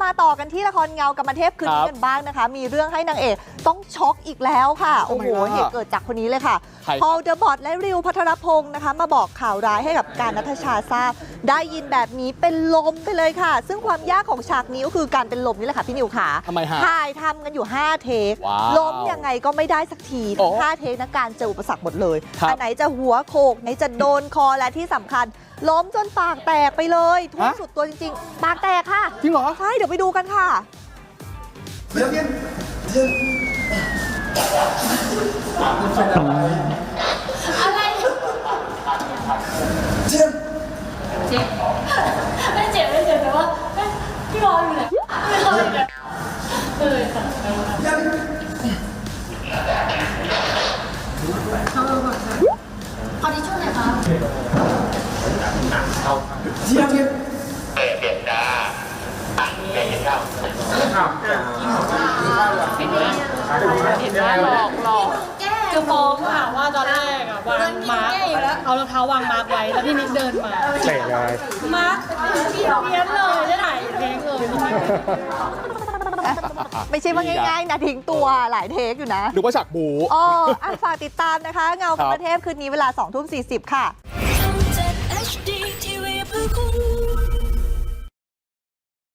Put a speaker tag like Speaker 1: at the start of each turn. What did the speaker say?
Speaker 1: มาต่อกันที่ละครเงากรรมเทพคืนนี้กันบ้างนะคะมีเรื่องให้นางเอกต้องช็อกอีกแล้วค่ะโอ้โหเหตุเกิดจากคนนี้เลยค่ะพอลเดอะบอทและริวพัทรพงศ์นะคะมาบอกข่าวร้ายให้กับการณัฐชาทราบได้ยินแบบนี้เป็นลมไปเลยค่ะซึ่งความยากของฉากนี้ก็คือการเป็นลมนี่แหละค่ะพี่นิวขา
Speaker 2: ทำไมฮะ
Speaker 1: ถ่ายทำกันอยู่5เทคล้มยังไงก็ไม่ได้สักทีทั้ง5เทคนะการเจออุปสรรคหมดเลยอันไหนจะหัวโขกไหนจะโดนคอและที่สำคัญล้มจนปากแตกไปเลยทุ่มสุดตัวจริงๆปากแตกค่ะ
Speaker 2: จริงเหรอ
Speaker 1: ใช่เดี๋ยวไปดูกันค่ะ
Speaker 3: อะไรเจ็บไม่เจ็บแต่ว่าพี่บอลอยู่ไหนไม่เคยเลยค่ะขอที่ช่วยหน่อยค่ะ
Speaker 4: เปลี่ยนจ้าเปลี่ยนข้าว
Speaker 3: หลอกคือฟ้องค่ะว่าตอนแรกวางมาร์กเอารองเท้าวางมาร์กไว้แล้วพี่นิกเดินมา
Speaker 2: เตะเลย
Speaker 3: มาร์กเพี้ยนเลยจะถ่ายเพลงเลย
Speaker 1: ไม่ใช่ว่าง่ายๆนะทิ้งตัวหลายเทคอยู่นะ
Speaker 2: หรือว่าฉากบู
Speaker 1: ฝากติดตามนะคะเงากรรมเทพคืนนี้เวลา 20:40 ค่ะ